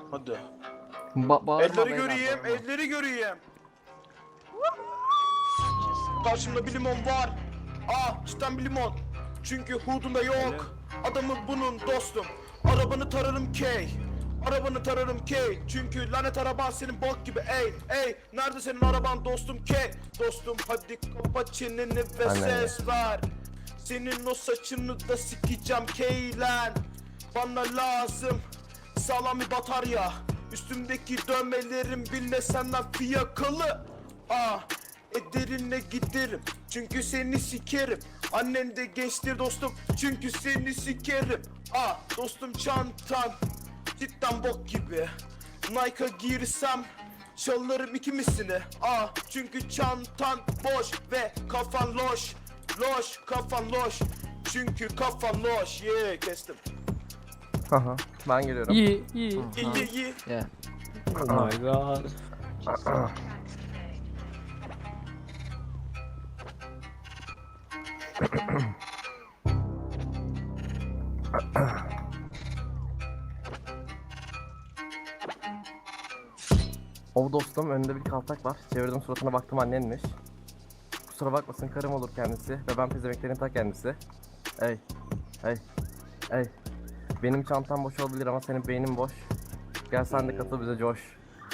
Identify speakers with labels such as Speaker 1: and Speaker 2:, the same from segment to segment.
Speaker 1: Hadi.
Speaker 2: Bağırma
Speaker 1: Elleri
Speaker 2: beyler,
Speaker 1: göreyim,
Speaker 2: bağırma.
Speaker 1: elleri göreyim. Karşımda bir limon var. Cidden bir limon. Çünkü hudunda yok. Adamı bunun dostum. Arabanı tararım K. Arabanı tararım K. Çünkü lanet araban senin bok gibi ey. Nerede senin araban dostum K. Dostum hadi kapa çeneni ve ses ver. Senin o saçını da sikeceğim K lan. Bana lazım sağlam bir batarya. Üstümdeki dövmelerim bile senden fiyakalı. Ederine giderim çünkü seni sikerim. Annen de gençtir dostum çünkü seni sikerim. Dostum çantan cidden bok gibi. Nike'a girsem çalarım ikimisini. Çünkü çantan boş ve kafan loş. Loş kafan loş. Çünkü kafan loş. Kestim.
Speaker 3: Haha, ben geliyorum.
Speaker 4: İyi.
Speaker 1: İyi.
Speaker 2: Yeah.
Speaker 4: Oh my god.
Speaker 3: O dostum, önünde bir kaltak var. Çevirdim, suratına baktım, annenmiş. Kusura bakmasın, karım olur kendisi ve ben pezemeklerin ta kendisi. Ey. Benim çantam boş olabilir ama senin beynin boş. Gel sen de katıl bize coş.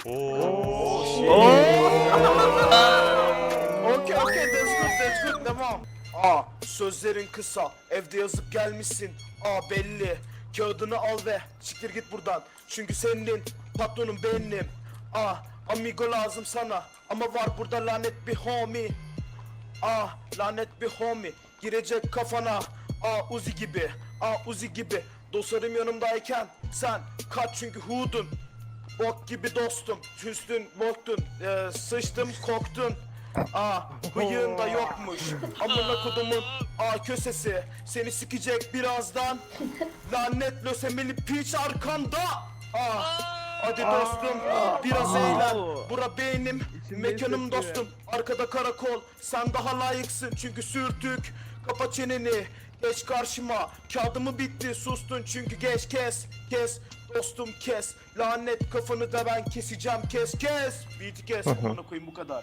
Speaker 1: Okay, that's good, devam. Sözlerin kısa, evde yazıp gelmişsin. Belli, kağıdını al ve siktir git buradan. Çünkü senin patronun benim. Amigo lazım sana ama var burada lanet bir homie. Lanet bir homie girecek kafana. Uzi gibi, Uzi gibi. Dostlarım yanımdayken sen kaç çünkü hudun. Bok gibi dostum, üstün boktun, sıçtım koktun. Bıyığın da yokmuş. Amına kodumun kösesi seni sikecek birazdan. Lanet lösemili piç arkanda. Hadi dostum biraz eğlen. Bura benim mekanım dostum. Arkada karakol sen daha layıksın çünkü sürtük. Kapa çeneni geç karşıma. Kağıdımı bitti sustun çünkü geç kes dostum kes. Lanet kafanı da ben keseceğim kes. Beat'i kes. Onu koyayım bu kadar.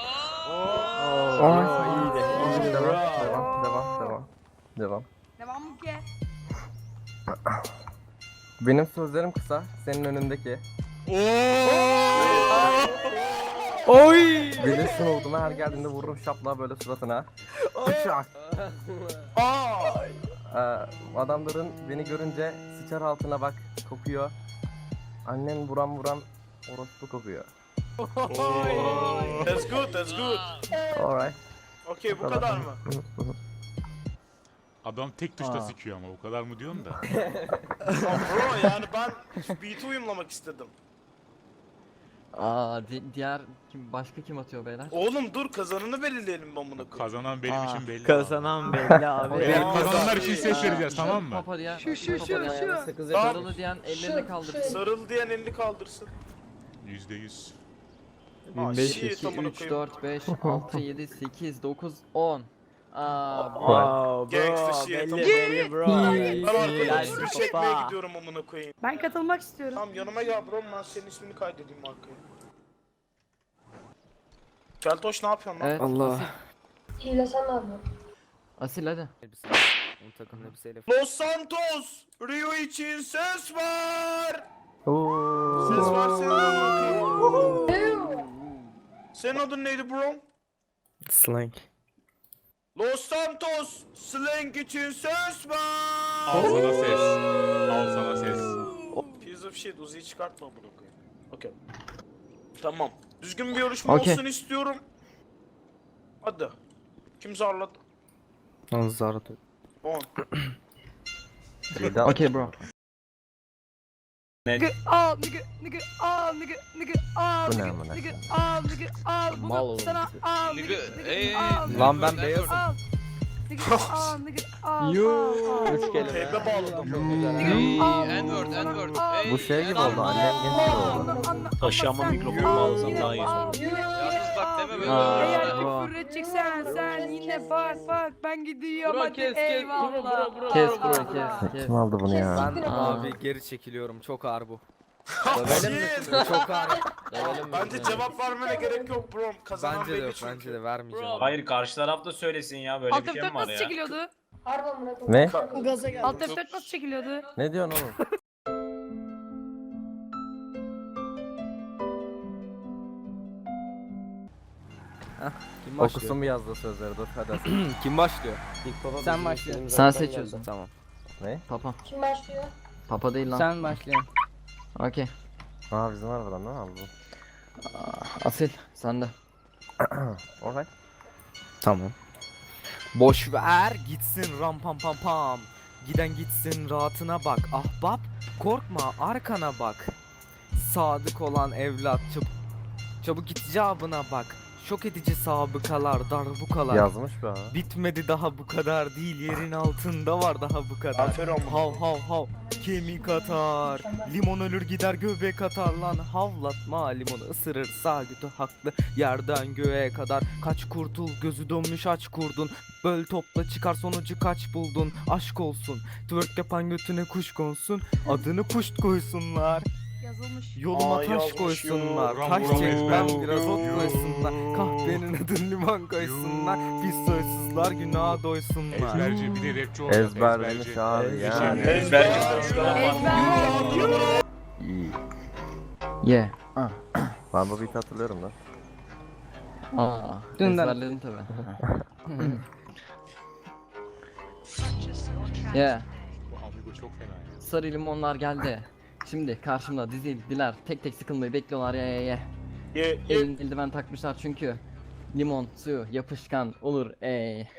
Speaker 3: Devam.
Speaker 5: Devam mı ki?
Speaker 3: Benim sözlerim kısa, senin önündeki.
Speaker 4: Oy!
Speaker 3: Bilirsin olduğumu, her geldiğinde vururum şapla böyle suratına. Bıçak. Adamların beni görünce sıçar altına bak, kokuyor. Annen vuran orospu kokuyor.
Speaker 1: That's good.
Speaker 3: Alright.
Speaker 1: Okay bu kadar mı?
Speaker 6: Adam tek tuşla sikiyor ama o kadar mı diyorsun da?
Speaker 1: Bro yani ben beat'i uyumlamak istedim.
Speaker 2: Diğer başka kim atıyor beyler?
Speaker 1: Oğlum dur kazanını belirleyelim ben bunu.
Speaker 6: Kazanan benim için belli.
Speaker 4: Kazanan belli abi.
Speaker 6: Kazananlar için ses vereceğiz tamam mı?
Speaker 2: Papa diyen,
Speaker 5: Şu.
Speaker 2: sarılı diyen ellerini kaldırsın.
Speaker 1: Sarıl diyen elini kaldırsın.
Speaker 6: %100.
Speaker 4: 1500.
Speaker 1: Shit,
Speaker 2: 2,
Speaker 1: amına
Speaker 2: 3,
Speaker 1: koyayım.
Speaker 2: 4, 5, 6, 7, 8, 9, 10.
Speaker 4: Wow
Speaker 1: Gangsta
Speaker 4: bro,
Speaker 1: shit,
Speaker 4: belli
Speaker 1: tamam.
Speaker 4: belli bro.
Speaker 1: Ben
Speaker 4: Helal
Speaker 1: arkadaşım bir çekmeye
Speaker 4: kafa.
Speaker 1: gidiyorum amına koyayım.
Speaker 5: Ben katılmak istiyorum.
Speaker 1: Tamam yanıma gel bro ben senin ismini kaydedeyim arkaya. Keltoş ne yapıyorsun lan?
Speaker 2: Evet.
Speaker 4: Allah.
Speaker 7: Hilesen abi.
Speaker 2: Asil hadi.
Speaker 4: Bu takım elbiseyle
Speaker 1: Los Santos! Rio için ses var!
Speaker 3: Oo.
Speaker 1: Ses var senin amına koyayım. Senin adın neydi bro?
Speaker 4: slang.
Speaker 1: Los Santos! Slang için ses var!
Speaker 6: Al sana ses. Al sana ses.
Speaker 1: Piece of shit Uzi'yi çıkartma bunu koyayım. Okey. Tamam. Düzgün bir yarışma
Speaker 2: Okey.
Speaker 1: olsun istiyorum. Hadi. Kim zarladı?
Speaker 4: Zarto.
Speaker 1: 10.
Speaker 2: Okay bro.
Speaker 5: Nigga al, nigga al, nigga al,
Speaker 3: Bu ne amına
Speaker 5: nigga
Speaker 3: koyayım?
Speaker 5: al, nigga al.
Speaker 2: Mal
Speaker 5: Bugün
Speaker 2: oğlum.
Speaker 5: sana al, nigga al.
Speaker 4: Lan ben beyazım.
Speaker 5: Al. Nigga al, nigga al.
Speaker 2: Üç kelime.
Speaker 1: Teybe bağladım.
Speaker 5: N-word.
Speaker 3: Bu şey gibi oldu, annem genç oldu.
Speaker 5: Taşıyama mikrofonu bağlasam daha iyi olur.
Speaker 8: Bak deme böyle.
Speaker 5: Eğer
Speaker 2: Bro.
Speaker 5: küfür edeceksen sen yine bak ben gidiyorum hadi eyvallah.
Speaker 2: Kes bro kes.
Speaker 3: Kim aldı bunu ya?
Speaker 4: Ben abi geri çekiliyorum, çok ağır bu.
Speaker 1: Hayır.
Speaker 4: Çok ağır.
Speaker 1: Bence cevap vermene gerek yok bro. Kazanan
Speaker 4: Bence de
Speaker 1: belli
Speaker 4: yok,
Speaker 1: çünkü.
Speaker 4: bence de vermeyeceğim.
Speaker 7: Hayır karşı taraf da söylesin ya böyle bir
Speaker 5: Alt
Speaker 7: şey
Speaker 5: F4
Speaker 7: mi var
Speaker 5: nasıl
Speaker 7: ya?
Speaker 5: çekiliyordu?
Speaker 3: Ne?
Speaker 5: Alt F4 nasıl çekiliyordu?
Speaker 3: Ne diyorsun oğlum?
Speaker 4: Kim
Speaker 3: Okusun mu yazdığı sözleri dur hadi Asil.
Speaker 4: Kim başlıyor?
Speaker 8: Sen başlıyorsun.
Speaker 2: Sen seçiyorsun.
Speaker 4: Tamam.
Speaker 3: Ne?
Speaker 2: Papa.
Speaker 9: Kim başlıyor?
Speaker 2: Papa değil lan.
Speaker 8: Sen başlıyorsun.
Speaker 2: Okey.
Speaker 3: Aa bizim arabadan ne aldı?
Speaker 2: Asil sen de.
Speaker 3: Alright.
Speaker 4: Tamam. Boş ver gitsin ram pam pam pam. Giden gitsin rahatına bak. Ahbap korkma arkana bak. Sadık olan evlat çabuk git icabına bak. Şok edici sabıkalar darbukalar.
Speaker 3: Yazmış be ha.
Speaker 4: Bitmedi daha bu kadar değil yerin altında var daha bu kadar.
Speaker 1: Aferin.
Speaker 4: Hav hav hav kemik atar. Limon ölür gider göbek atar lan. Havlatma limonu ısırır sağ götü haklı. Yerden göğe kadar kaç kurtul gözü dönmüş aç kurdun. Böl topla çıkar sonucu kaç buldun. Aşk olsun twerk yapan götüne kuş konsun. Adını puşt koysunlar.
Speaker 5: Yazılmış.
Speaker 4: Yoluma
Speaker 1: Aa,
Speaker 4: taş
Speaker 1: yazmış
Speaker 4: koysunlar.
Speaker 6: ya.
Speaker 4: Taş
Speaker 6: Ram,
Speaker 4: çekmem
Speaker 6: ram,
Speaker 4: biraz ot
Speaker 6: ram,
Speaker 4: koysunlar.
Speaker 6: ram.
Speaker 4: Kahvenin adını limon koysunlar. Pis soysuzlar günaha doysunlar.
Speaker 6: Ezberci bir de rapçi olacak.
Speaker 3: Ezberlemiş abi ya.
Speaker 2: Yeah.
Speaker 3: Ben bu beat'i hatırlıyorum lan.
Speaker 2: Aa.
Speaker 8: Dünden.
Speaker 2: Ezberledin tabi. Yeah.
Speaker 6: Bu amigo çok fena ya.
Speaker 2: Sarı limonlar geldi. Şimdi karşımda dizildiler. Tek tek sıkılmayı bekliyorlar ya.
Speaker 1: Ye
Speaker 2: Elin eldiven takmışlar çünkü. Limon suyu yapışkan olur ey.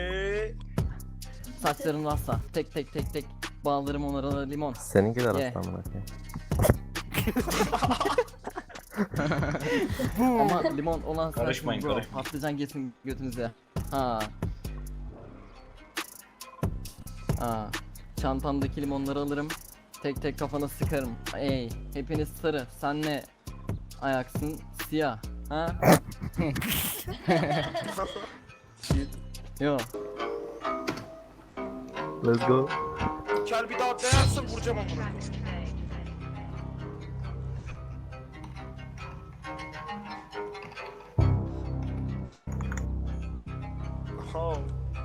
Speaker 2: Saçlarım rasta. Tek tek bağlarım onlara limon.
Speaker 3: Seninkiler
Speaker 2: Ye.
Speaker 3: aslan bırakayım.
Speaker 2: Ama limon olan
Speaker 7: Karışmayın,
Speaker 2: sensin bro.
Speaker 7: karışmayın.
Speaker 2: Patlıcan geçsin götünüze. Ha. Çantamdaki limonları alırım. Tek tek kafana sıkarım. Ey, hepiniz sarı. Sen ne ayaksın? Siyah. Ha? Yo.
Speaker 3: Let's go.
Speaker 1: Kel bir daha değerse vuracağım amına. Oh.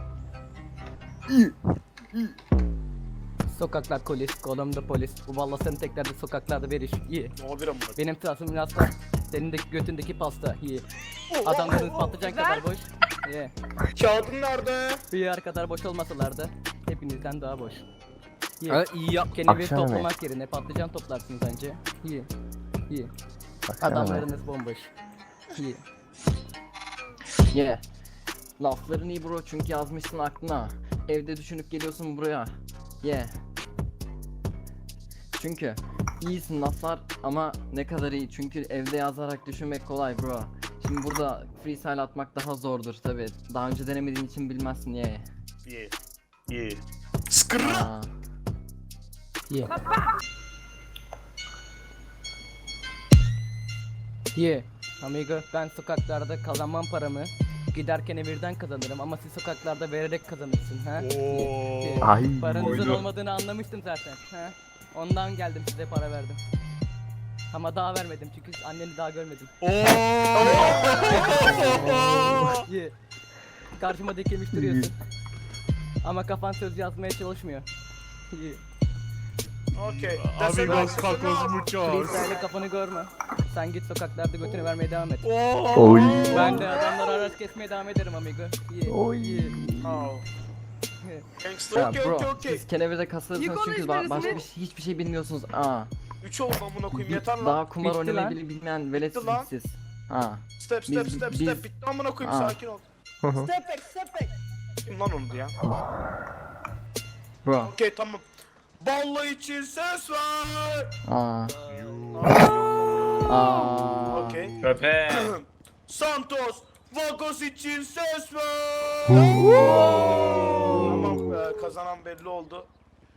Speaker 8: Sokaklar polis, kolumda polis. Bu valla sen teklerde sokaklarda veriş. İyi.
Speaker 1: Ne olabilir amına?
Speaker 8: Benim tarafım rasta. Senin de götündeki pasta. İyi. Adamların patlıcan kadar boş. İyi.
Speaker 1: Kağıdın nerede?
Speaker 8: Bir yer kadar boş olmasalardı hepinizden daha boş. İyi.
Speaker 4: Ha, iyi yap.
Speaker 8: Kendini
Speaker 3: Akşam yemeği.
Speaker 8: toplamak yerine patlıcan toplarsınız bence. İyi. İyi.
Speaker 3: Akşam yemeği.
Speaker 8: Adamlarınız bomboş. İyi.
Speaker 2: Yeah. Lafların iyi bro çünkü yazmışsın aklına. Evde düşünüp geliyorsun buraya. Yeah. Çünkü iyisin laflar ama ne kadar iyi çünkü evde yazarak düşünmek kolay bro. Şimdi burada freestyle atmak daha zordur tabi. Daha önce denemediğin için bilmezsin yeah.
Speaker 1: Ye. Skırra.
Speaker 2: Aa.
Speaker 8: İyi. İyi. Amigo ben sokaklarda kazanmam paramı. Giderken evirden kazanırım ama siz sokaklarda vererek kazanırsın ha. İyi.
Speaker 3: Ay.
Speaker 8: Paranızın olmadığını anlamıştım zaten. Ha? Ondan geldim size para verdim. Ama daha vermedim çünkü anneni daha görmedim. İyi. Karşıma dikilmiş duruyorsun. Ama kafan söz yazmaya çalışmıyor. İyi.
Speaker 1: Okey.
Speaker 6: Amigos tacos muchos.
Speaker 8: Freestyle'le kafanı görme. Sen git sokaklarda götünü vermeye devam et.
Speaker 3: Oy.
Speaker 8: Ben de adamlara araç kesmeye devam ederim amigo. İyi.
Speaker 3: Oy.
Speaker 8: İyi.
Speaker 1: Oh.
Speaker 8: İyi.
Speaker 1: Gangster
Speaker 2: Ya
Speaker 1: okey
Speaker 2: bro
Speaker 1: okey.
Speaker 2: siz kenevede kasılırsınız
Speaker 5: Yıkılın
Speaker 2: çünkü
Speaker 5: hiçbirisini.
Speaker 2: başka hiçbir şey bilmiyorsunuz. Aa.
Speaker 1: 3 oldu amına koyayım yeter lan.
Speaker 2: Daha kumar
Speaker 8: Bitti
Speaker 2: oynamayı
Speaker 8: lan.
Speaker 2: bile bilmeyen veletsiniz
Speaker 1: lan.
Speaker 2: siz. Ha.
Speaker 1: Step
Speaker 2: Biz-
Speaker 1: step
Speaker 2: biz-
Speaker 1: step bitti amına koyayım
Speaker 2: Aa.
Speaker 1: sakin ol.
Speaker 3: hı.
Speaker 1: Step back. Kim lan onu ya?
Speaker 2: Bro.
Speaker 1: Okey tamam. Balla için ses ver.
Speaker 2: Aa.
Speaker 1: Aa.
Speaker 2: Aa.
Speaker 1: Okey.
Speaker 7: Köpek.
Speaker 1: Santos, Vagos için ses ver. Tamam kazanan belli oldu.